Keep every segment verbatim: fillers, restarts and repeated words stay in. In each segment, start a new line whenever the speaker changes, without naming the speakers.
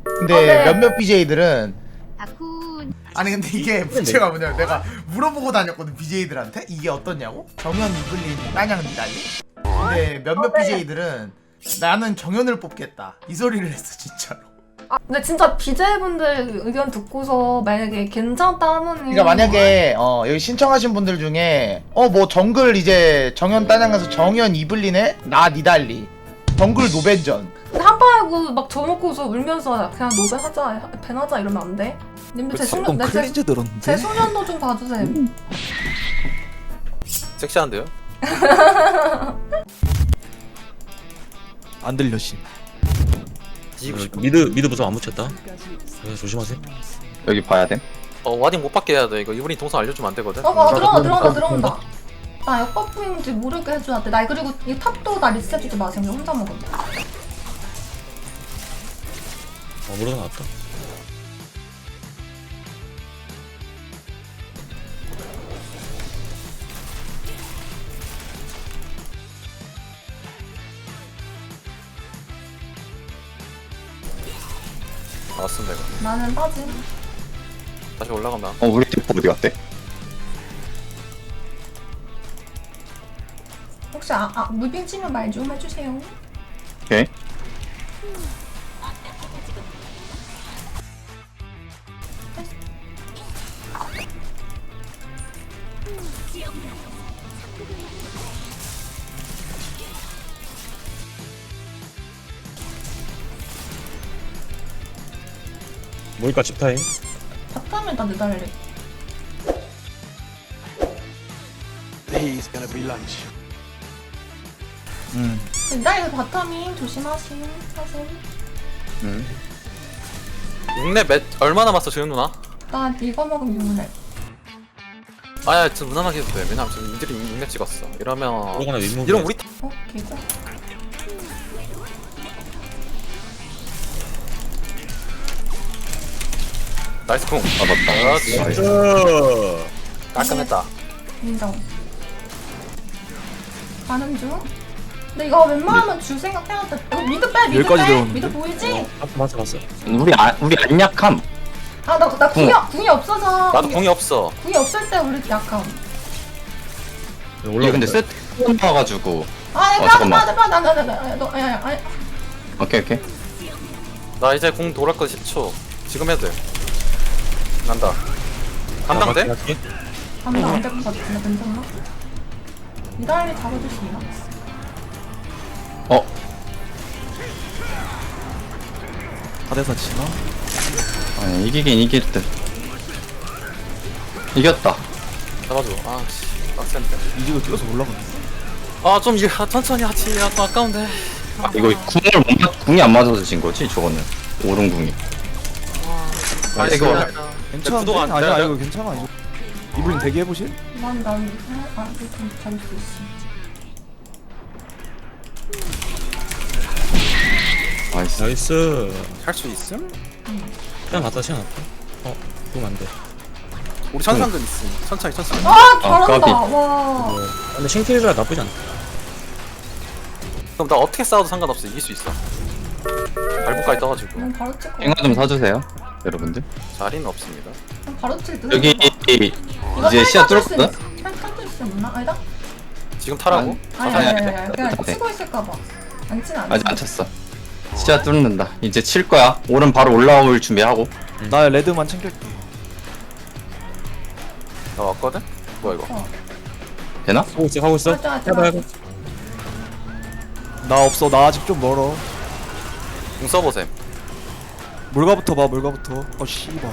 근데
어, 네.
몇몇 비제이들은
다쿤
아니 근데 이게 문제가 뭐냐면 내가 물어보고 다녔거든 비제이들한테 이게 어떻냐고? 정현 이블린 따냥 니달리? 근데 몇몇
어, 네.
비제이들은 나는 정현을 뽑겠다 이 소리를 했어 진짜로.
아 근데 진짜 비제이분들 의견 듣고서 만약에 괜찮다 하면은
그러니까 만약에 어 여기 신청하신 분들 중에 어 뭐 정글 이제 정현 따냥 가서 정현 이블린에 나 니달리 정글 노벤전
근데 한판하고 막 저먹고서 울면서 그냥 노벤하자 밴하자 이러면 안 돼? 님들 제
조금
소년 내 제,
클린즈 들었는데.
제 소년도 좀 봐주세요.
섹시한데요?
안 들려 씨.
뒤지고 싶어.
미드 미드 부서 안 묻혔다. 네, 조심하세요.
여기 봐야 돼.
어 와딩 못 받게 해야 돼. 이거 이분이 동선 알려주면 안 되거든.
어, 어 들어온다 들어온다 들어온다. 나 역버프인지 모르게 해줘야 돼. 나 그리고 이 탑도 나 리셋해주지 마세요. 그냥 혼자 먹어.
어 물어 나왔다.
나왔습니다 이거.
나는 빠짐.
다시 올라간다.
어 우리 팀 어디 갔대?
혹시 아, 아 무빙 치면 말 좀 해주세요.
오케이.
모니까 집타임.
바텀에 나 느달래.
음.
느달래 바텀이 조심하심 하세요.
음.
육렙 몇 얼마 남았어 지금 누나?
나 이거 먹으면 유문해.
아야 지금 무난하게 해도 돼. 왜냐면 지금 이들이 육렙 찍었어. 이러면
들어가나 윗무비.
이런 우리
어 개고.
나이스 쿵.
아 맞다.
그렇지.
나이스.
깔끔했다.
인정. 가는 중. 근데 이거 웬만하면 줄 생각해야 돼. 이거 미드 빼, 미드
여기까지
빼.
들어오는데?
미드 보이지?
아, 봤어 봤어.
우리 안 우리 안 약함.
아, 나, 나 궁이,
궁.
궁이 없어서.
나도 공이 없어.
궁이 없을 때 우리 약함.
이게 근데 세트 나와가지고.
아,
어,
내가
잠깐만.
나, 나, 나, 나, 나, 나, 나, 너, 야, 야, 아니,
오케이 오케이.
나 이제 공 돌아올 거 십 초. 지금 해도 돼. 난다. 감당돼?
감도 안될 것 같은데, 괜찮나? 미달리 잡아줄 수 있나?
어
사대사 치나?
아니 이기긴 이길 듯. 이겼다.
잡아줘. 아씨 빡센데.
이지고 뛰어서 올라가네.
아좀 이거 천천히 하지. 아, 또 아까운데.
이거 궁을 못 맞, 궁이 안 맞아서 진 거지 저거는. 오른 궁이.
아
이거-
괜찮은데?
구도가 안
아니야
돼요?
이거 괜찮아 이거. 이블린 대기 해보실?
난, 난, 아, 이거 잡을 수 있어.
나이스.
나이스.
할 수 있음?
시간 갔다 시간 갔다. 어 그럼 안 돼.
우리 천상금 있음. 천천히 천천히.
아, 잘한다.
까비.
와.
어, 근데 싱크리즈가 나쁘지 않다.
그럼 나 어떻게 싸워도 상관없어. 이길 수 있어. 발목까지 떠가지고
난 바로 찍고.
eng아 좀 사주세요 여러분들.
자리는 없습니다.
난 바로 칠 듯.
여기
이거
이제 시야
탈 수
뚫었거든.
있- 탈- 탈 수 있나? 아니다?
지금 타라고?
아니,
아니,
아니,
아니,
아니, 아니. 그냥
네.
치고 있을까봐. 안 치는 안
아직 안 찼어. 시야 뚫는다. 이제 칠 거야. 오른 바로 올라올 준비하고.
나 레드만 챙길게.
나 왔거든? 뭐야 이거?
되나?
하고 있어 하고 있어.
맞아, 맞아,
해봐
맞아.
해봐.
나 없어. 나 아직 좀 멀어.
공 써보셈.
물가부터 봐 물가부터. 어 씨발.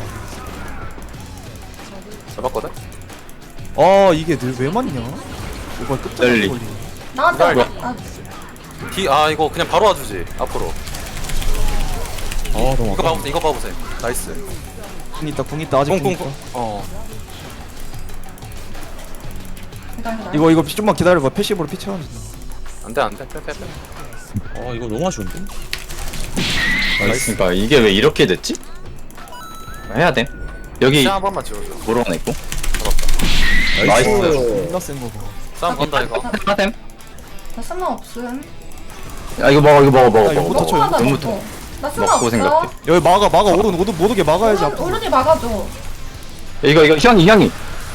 잡았거든?
아 이게 늘 왜 맞냐? 이거 끝자리
널리.
걸리네.
나한테
이거
나
뒤, 아 이거 그냥 바로 와주지. 앞으로.
아 너무
이거
아까.
봐보셈. 이거 봐보셈. 나이스.
궁 있다 궁 있다 아직 궁 있다.
꽁꽁꽁. 어.
기다려.
이거 이거 좀만 기다려봐. 패시브로 피 채워준다.
안돼 안돼. 빼빼 빼.
어 이거 너무 아쉬운데.
나이스. 그러니까 이게 왜 이렇게 됐지? 해야 돼. 여기
시야 한 번만 지워줘.
몰아냈고.
잡았다.
나이스.
존나 센 거 봐.
싸움 건다 이거.
하템.
나 쓸모 없음.
야 이거 먹어 이거 먹어 먹어
야, 이거부터
먹어.
쳐.
먹어봐,
이거부터.
먹어. 나 수가
먹고
없어.
생각해.
여기 막아 막아 오른 오른 못 오게 막아야지
오른,
앞으로.
오른이 막아줘.
이거 이거 희영이 희영이.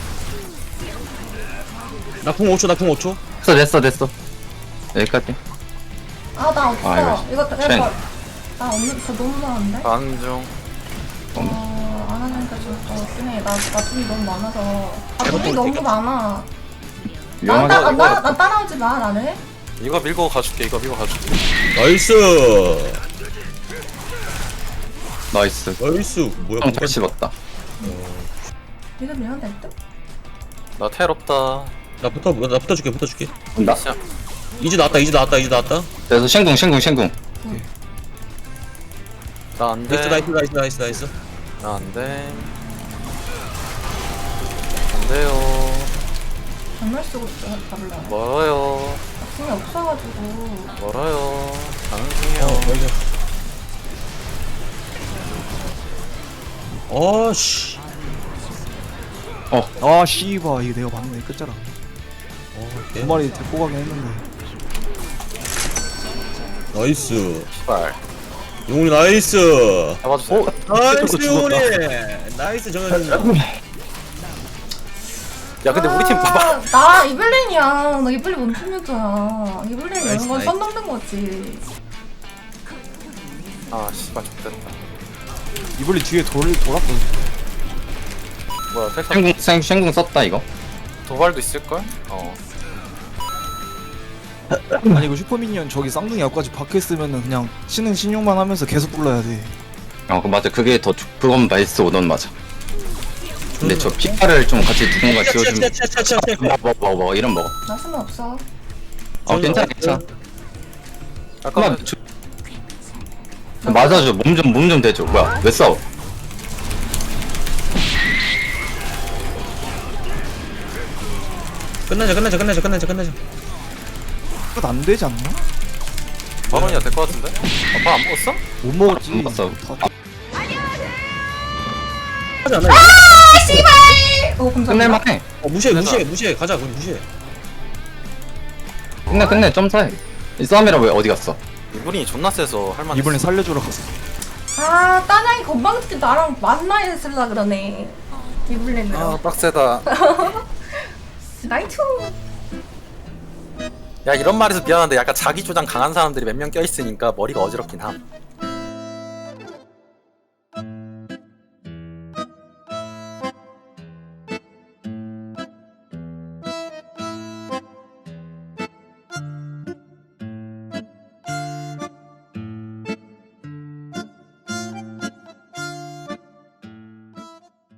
나궁 오 초 나궁 오 초.
됐어 됐어 됐어. 여기까지.
아 나 없어.
아, 이거
이거
쉔.
내가 나 없는 저 너무 많은데.
안중.
어, 안 하니까 좀더 쓰네. 나, 나 돈이 너무 많아서. 아, 돈이 너무 많아. 나,
위험하게.
따, 아, 나, 나 따라오지 마, 나를.
이거 밀고 가줄게. 이거 밀고 가줄게.
나이스.
나이스.
나이스. 뭐야?
형 잘 씹었다.
이거 밀면 될 듯?
나 텔 없다.
나 붙어 나 붙어줄게 붙어줄게.
나
시작.
이제 나왔다 이제 나왔다 이제 나왔다.
그래서 쉔궁 쉔궁 쉔궁.
나 안 돼.
나이스 나이스 나이스 나이스 나이스.
나 안 돼. 안 돼요.
정말 쓰고 잡을래.
멀어요.
돈이 없어가지고.
멀어요. 가는
어
중이에요.
여기. 어씨.
아 씨바 이게 내가 봤네 끝자락.
어,
두 마리 데리고 가긴 했는데.
나이스.
시발.
용훈이 나이스.
잡아주세요.
나이스
죽었다.
용훈이. 나이스 정현이.
야 근데 우리 팀
아,
봐봐.
나 이블린이야. 나 이블린 원팀이었잖아. 이블린 이런
나이스,
건
나이스.
선 넘는 거지.
아 씨발 좋됐다.
이블리 뒤에 돌 돌았거든.
뭐야 텔
쉔궁 쉔 쉔궁 썼다 이거.
도발도 있을걸? 어.
아니 이거 슈퍼미니언 저기 쌍둥이 앞까지 박혀 있으면은 그냥 신은 신용만 하면서 계속 불러야 돼.
어, 그 맞아. 그게 더 좋- 그건 나이스 오던 맞아. 근데 저 피파를 좀 같이 누군가 지워주면 먹어 먹어 먹어 이런 먹어.
나 수는 없어.
어 괜찮아 괜찮아.
잠깐만.
한번 주... 맞아줘. 몸 좀 몸 좀 대줘. 뭐야 왜 싸워?
끝내자 끝내자 끝내자 끝내자 끝내자.
끝 안 되지 않나?
바론이야 될 것 같은데? 아빠 안 먹었어?
못 먹었지.
못 봤어.
다-
하지 않아.
아, 씨발! 어, 감사합니다.
끝낼만해.
어 무시해
끝내자.
무시해 무시해 가자 그럼 무시해.
끝내 끝내 점사해. 이 싸움이라 왜 어디 갔어?
이분이 존나 세서 할만.
이번엔 살려주러 갔어.
아, 따냥이 건방지게 나랑 만나야 했을라 그러네. 이블린으로.
아 빡세다.
나이트!
야 이런 말해서 미안한데 약간 자기 주장 강한 사람들이 몇 명 껴있으니까 머리가 어지럽긴 함.